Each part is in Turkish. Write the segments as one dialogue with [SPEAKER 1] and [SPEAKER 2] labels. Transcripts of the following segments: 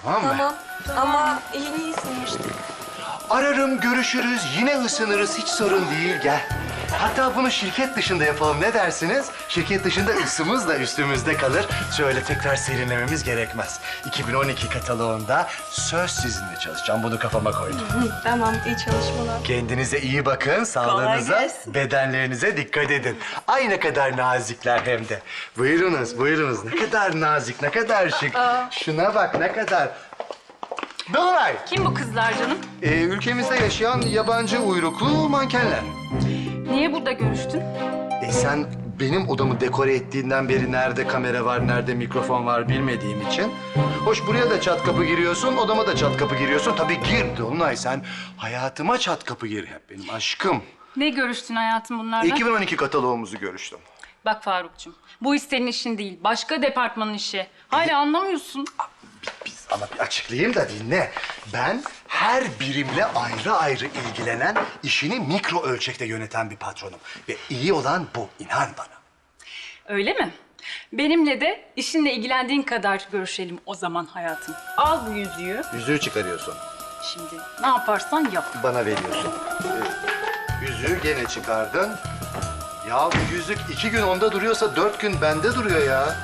[SPEAKER 1] Tamam mı?
[SPEAKER 2] Tamam ama yeni ısınmıştık.
[SPEAKER 1] Ararım, görüşürüz, yine ısınırız. Hiç sorun değil, gel. Hatta bunu şirket dışında yapalım, ne dersiniz? Şirket dışında ısımız da üstümüzde kalır. Şöyle tekrar serinlememiz gerekmez. 2012 kataloğunda söz sizinle çalışacağım. Bunu kafama koydum.
[SPEAKER 2] Tamam, iyi çalışmalar.
[SPEAKER 1] Kendinize iyi bakın, sağlığınıza,
[SPEAKER 2] gelsin.
[SPEAKER 1] bedenlerinize dikkat edin. Ay ne kadar nazikler hem de. Buyurunuz, buyurunuz. Ne kadar nazik, ne kadar şık. Şuna bak, ne kadar... Dolunay,
[SPEAKER 3] Kim bu kızlar canım?
[SPEAKER 1] ülkemizde yaşayan yabancı uyruklu mankenler.
[SPEAKER 3] Niye burada görüştün?
[SPEAKER 1] Sen benim odamı dekore ettiğinden beri nerede kamera var, nerede mikrofon var bilmediğim için. Hoş buraya da çat kapı giriyorsun, odama da çat kapı giriyorsun. Tabii gir Dolunay, sen hayatıma çat kapı gir hep benim aşkım.
[SPEAKER 3] Ne görüştün hayatım bunlarla?
[SPEAKER 1] 2012 kataloğumuzu görüştüm.
[SPEAKER 3] Bak Farukcuğum, bu iş senin işin değil. Başka departmanın işi. Hala anlamıyorsun.
[SPEAKER 1] Ama bir açıklayayım da dinle. Ben her birimle ayrı ayrı ilgilenen, işini mikro ölçekte yöneten bir patronum. Ve iyi olan bu, inan bana.
[SPEAKER 3] Öyle mi? Benimle de işinle ilgilendiğin kadar görüşelim o zaman hayatım. Al bu yüzüğü.
[SPEAKER 1] Yüzüğü çıkarıyorsun,
[SPEAKER 3] Şimdi ne yaparsan yap.
[SPEAKER 1] bana veriyorsun. Yüzüğü gene çıkardın. Ya bu yüzük 2 gün onda duruyorsa 4 gün bende duruyor ya.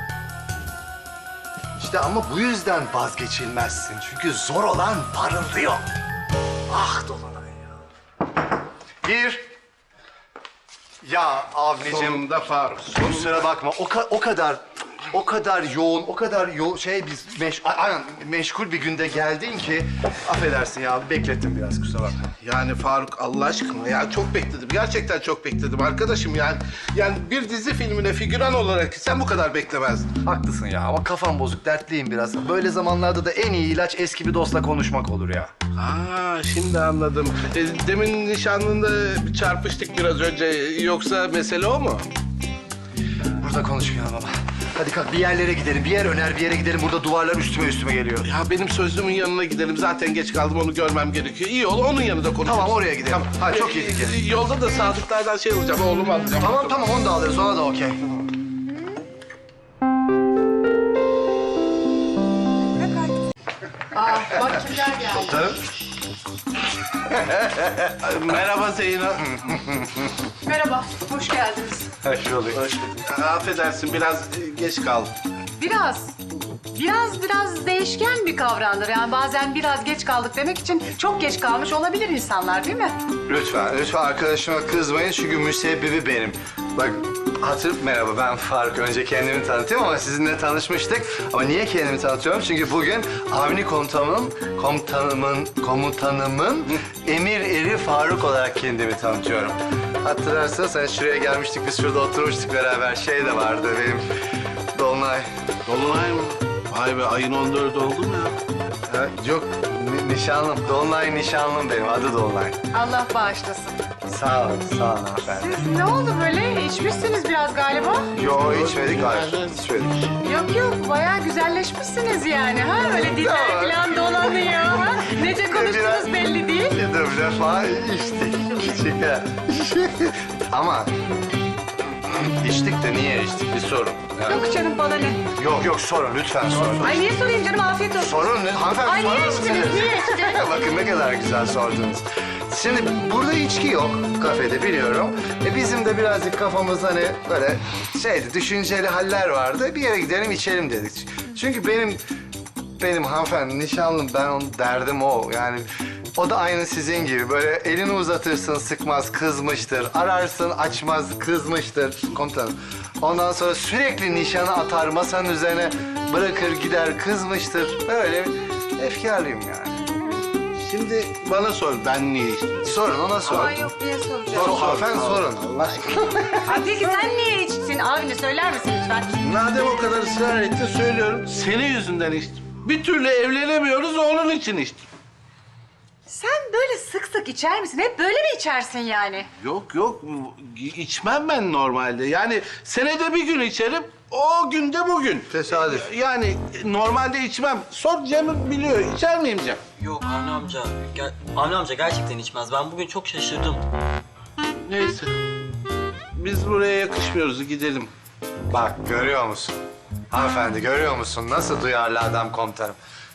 [SPEAKER 1] İşte ama bu yüzden vazgeçilmezsin. Çünkü zor olan parıldıyor. Ah Dolunay ya. Bir. Ya Avni'cim.
[SPEAKER 4] Sonunda Faruk.
[SPEAKER 1] Kusura bakma. O kadar yoğun, meşgul bir günde geldin ki affedersin ya, beklettim biraz, kusura bakma.
[SPEAKER 4] Yani Faruk Allah aşkına ya çok bekledim. Gerçekten çok bekledim arkadaşım yani. Yani bir dizi filmine figüran olarak sen bu kadar beklemezdin.
[SPEAKER 1] Haklısın ya ama kafam bozuk, dertliyim biraz. Böyle zamanlarda da en iyi ilaç eski bir dostla konuşmak olur ya.
[SPEAKER 4] Aa şimdi anladım. Demin nişanlında çarpıştık biraz önce. Yoksa mesele o mu?
[SPEAKER 1] Burada konuşmayalım ama. Hadi kalk bir yerlere gidelim. Bir yer öner, bir yere gidelim. Burada duvarlar üstüme geliyor.
[SPEAKER 4] Ya benim sözlümün yanına gidelim. Zaten geç kaldım, onu görmem gerekiyor. İyi ol, onun yanında konuşuruz.
[SPEAKER 1] Tamam, oraya gidelim. Ha, çok iyi fikir.
[SPEAKER 4] Yolda da Sadıklardan şey alacağım, oğlumu alacağım.
[SPEAKER 1] Tamam onu da alırız. Ona da okey.
[SPEAKER 5] Bak kimler geldi.
[SPEAKER 1] Tabii.
[SPEAKER 4] Merhaba Zeyno.
[SPEAKER 5] Merhaba, hoş geldiniz.
[SPEAKER 1] Hoş bulduk.
[SPEAKER 4] Affedersin, biraz geç kaldım.
[SPEAKER 5] Biraz değişken bir kavramdır. Yani bazen biraz geç kaldık demek için çok geç kalmış olabilir insanlar, değil mi?
[SPEAKER 1] Lütfen arkadaşıma kızmayın çünkü müsebbibi benim. Bak merhaba, ben Faruk. Önce kendimi tanıtayım ama sizinle tanışmıştık. Ama niye kendimi tanıtıyorum? Çünkü bugün Avni komutanımın emir eri Faruk olarak kendimi tanıtıyorum. Hatırlarsanız hani şuraya gelmiştik, biz şurada oturmuştuk beraber. Şey de vardı benim, Dolunay.
[SPEAKER 4] Dolunay mı? Vay be, ayın 14'ü oldu mu ya?
[SPEAKER 1] Ha, yok, nişanlım. Dolunay nişanlım benim, adı Dolunay.
[SPEAKER 5] Allah bağışlasın.
[SPEAKER 1] Sağ olun hanımefendi.
[SPEAKER 5] Siz ne oldu böyle? İçmişsiniz biraz galiba.
[SPEAKER 1] Yo, içmedik, hayır. İçmedik.
[SPEAKER 5] Yok, bayağı güzelleşmişsiniz yani. Ha, öyle diller falan dolanıyor. Ha? Nece konuştunuz belli değil.
[SPEAKER 1] Bir defa içtik. Şeker. Ama içtik de niye içtik? Bir sorun. Yani,
[SPEAKER 5] Yok canım, bana ne?
[SPEAKER 1] yok sorun, lütfen sorun.
[SPEAKER 5] Ay niye sorayım canım, afiyet olsun.
[SPEAKER 1] Sorun ne? Hanımefendi
[SPEAKER 5] Ay niye
[SPEAKER 1] sorun
[SPEAKER 5] içtiniz,
[SPEAKER 1] musunuz?
[SPEAKER 5] niye içtiniz?
[SPEAKER 1] Bakın ne kadar güzel sordunuz. Şimdi burada içki yok kafede, biliyorum. Bizim de birazcık kafamız hani böyle düşünceli haller vardı. Bir yere gidelim içelim dedik. Çünkü benim hanımefendi nişanlım, ben onun derdim o. Yani o da aynı sizin gibi. Böyle elini uzatırsın, sıkmaz, kızmıştır. Ararsın, açmaz, kızmıştır komutanım. Ondan sonra sürekli nişanı atar, masanın üzerine bırakır gider, kızmıştır. Böyle efkarlıyım yani.
[SPEAKER 4] Şimdi bana sor, ben niye içtim?
[SPEAKER 1] Sorun, ona sorun.
[SPEAKER 5] Ay yok, niye soracağım?
[SPEAKER 1] Hanımefendi sorun. Allah aşkına.
[SPEAKER 5] Ay peki sen niye içtin? Avni söyler misin lütfen?
[SPEAKER 4] Madem o kadar ısrar ettin, söylüyorum. Senin yüzünden içtim. Bir türlü evlenemiyoruz, onun için içtim.
[SPEAKER 5] Sen böyle sık sık içer misin? Hep böyle mi içersin yani?
[SPEAKER 4] Yok, içmem ben normalde. Yani senede bir gün içerim, o günde bugün.
[SPEAKER 1] Tesadüf.
[SPEAKER 4] Yani normalde içmem. Sor, Cem biliyor. İçer miyim Cem?
[SPEAKER 6] Yok Avni amca, Avni amca gerçekten içmez. Ben bugün çok şaşırdım.
[SPEAKER 4] Neyse. Biz buraya yakışmıyoruz, gidelim.
[SPEAKER 1] Bak görüyor musun? Hanımefendi görüyor musun? Nasıl duyarlı adam komutanım.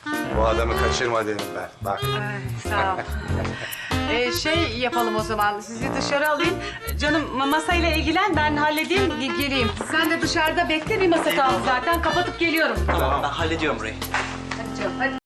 [SPEAKER 1] Bu adamı kaçırma dedim ben. Bak.
[SPEAKER 5] Sağ ol. Şey yapalım o zaman, sizi dışarı alayım. Canım masayla ilgilen, ben halledeyim, geleyim. Sen de dışarıda bekle, bir masa kaldı zaten. Kapatıp geliyorum.
[SPEAKER 6] Tamam ben hallediyorum burayı.
[SPEAKER 5] Hadi canım, hadi.